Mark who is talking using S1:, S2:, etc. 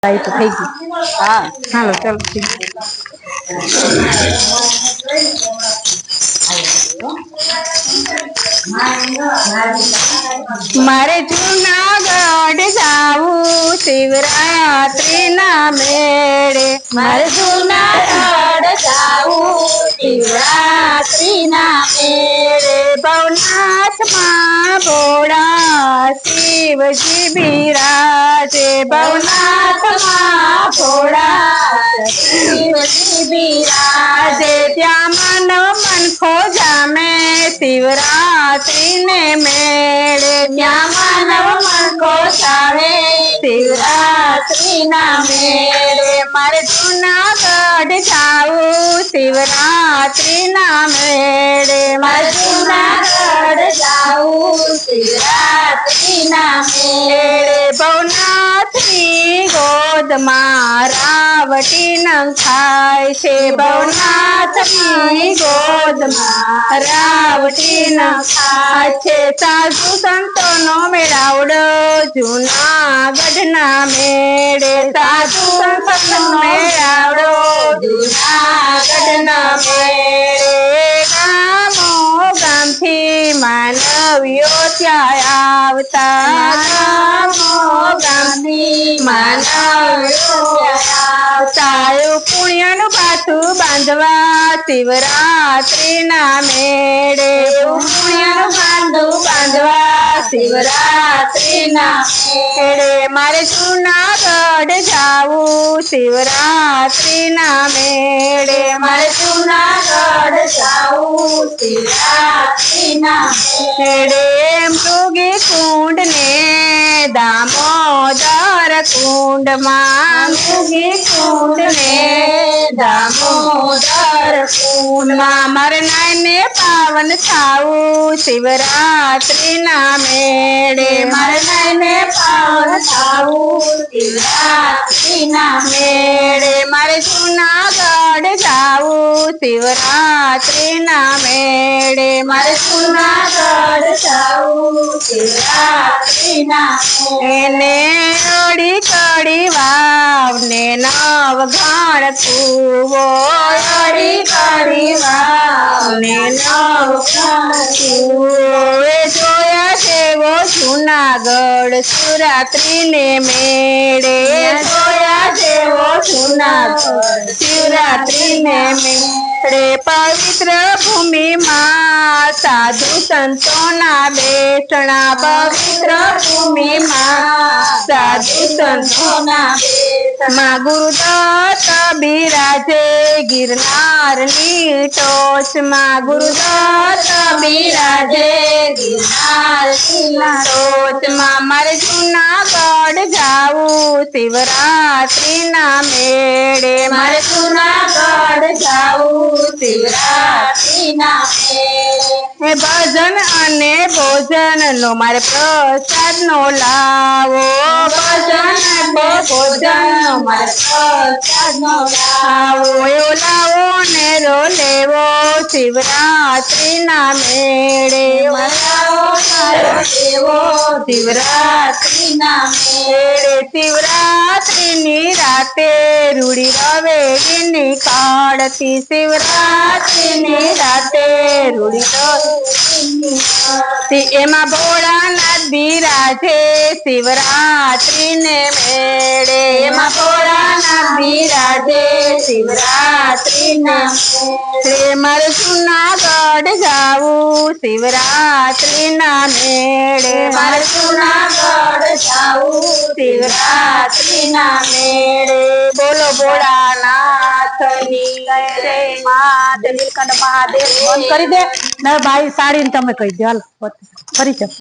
S1: आई तो થઈ ગઈ।
S2: हाँ
S1: હાલો ચાલો ઠીક। મારે જૂનાગઢ જાવું શિવરાત્રી ના મેળે,
S2: मारे जूनागढ़ जाऊं शिवरात्रि ना मेरे
S1: ભવનાથ માં ભોળા શિવજી બિરાજે,
S2: भवनाथ माँ भोला शिवजी
S1: આજે
S2: विराजे
S1: ત્યાં માનવ મનખો જામે શિવરાત્રી ને મેળે,
S2: क्या मानव मन को चावे शिवरात्रि ना मेरे
S1: મારે જૂનાગઢ જાવું શિવરાત્રી ના મેળે,
S2: मारे जूनागढ़ जाऊं शिवरात्रि ना मेरे
S1: ભવનાથની ગોદમાં રાવટી નખાય છે, ભવનાથની ગોદમાં રાવટી નખાય છે। સાધુ સંતોનો મેળાવડો જૂનાગઢના મેળે, સાધુ સંતોનો મેળાવડો
S2: जूनागढ़ ना
S1: મેળે, ગામો ગામથી માનવીઓ ત્યાં આવતા, ગામો ગામથી માનવીઓ સારું પુણ્યનું પાછું બાંધવા શિવરાત્રી ના મેળે, પુણ્યનું બાંધું બાંધવા શિવરાત્રી ના મેળે, મારે જૂનાગઢ જાવું શિવરાત્રી ના મેળે,
S2: मारे जूनागढ़ जाऊं शिवरात्रि ना
S1: મેળે મૃગી કુંડ ને દામોદર કુંડમાં, મૃગી કુંડ ને દામોદર કુંડમાં મારે નાઈને પાવન થાવું શિવરાત્રી ના મેળે, મારે નાઈને પાવન થાવું
S2: शिवरात्रि ना
S1: મેળે, મારે જૂનાગઢ જાવું શિવરાત્રી ના મેળે, મારે
S2: जूनागढ़ जाऊं शिवरात्रि ना
S1: એને અડી કડી વાવ ને નવઘણ કૂવો, અડી કડી વાવ ને નવઘણ કૂવો, એ જોયા જેવો જૂનાગઢ શિવરાત્રી ને મેળે, જોયા જેવો જૂનાગઢ શિવરાત્રી ને મેળે, પવિત્ર ભૂમિમાં સાધુ સંતોના બેસણા, પવિત્ર ભૂમિમાં સાધુ સંતોના માં ગુરુદત્ત બિરાજે ગિરનારની ટોચમાં, ગુરુદત્ત બિરાજે ગિરનારની ટોચમાં, મારે જૂનાગઢ જાવું શિવરાત્રી ના મેળે, મારે
S2: जूनागढ़ जाऊं शिवरात्रि ना
S1: એ ભજન અને ભોજન નો મારે પ્રસાદ નો લાવો, ભજન અને ભોજન નો મારે પ્રસાદ નો લાવો, એવો લાવો ને રો લેવો શિવરાત્રી ના મેળે, એવો લાવો ને લેવો શિવરાત્રી ના મેળે, શિવરાત્રી ની રાતે રૂડી રવેડી નીકાળતી, શિવરાત્રી ની રાતે રૂડી એમાં ભોળાનાથ બિરાજે શિવરાત્રી ને મેળે, એમાં ભોળાનાથ બિરાજે શિવરાત્રી ને મેળે, મારે જૂનાગઢ જાવું શિવરાત્રી ના મેળે, મારે
S2: जूनागढ़ जाऊं
S1: શિવરાત્રી ના મેળે, બોલો ભોળાનાથની જય માત નીલકંઠ મહાદેવ બંધ કરી દે ને ભાઈ સાડી ને તમે કહી દે હાલ પરિચય।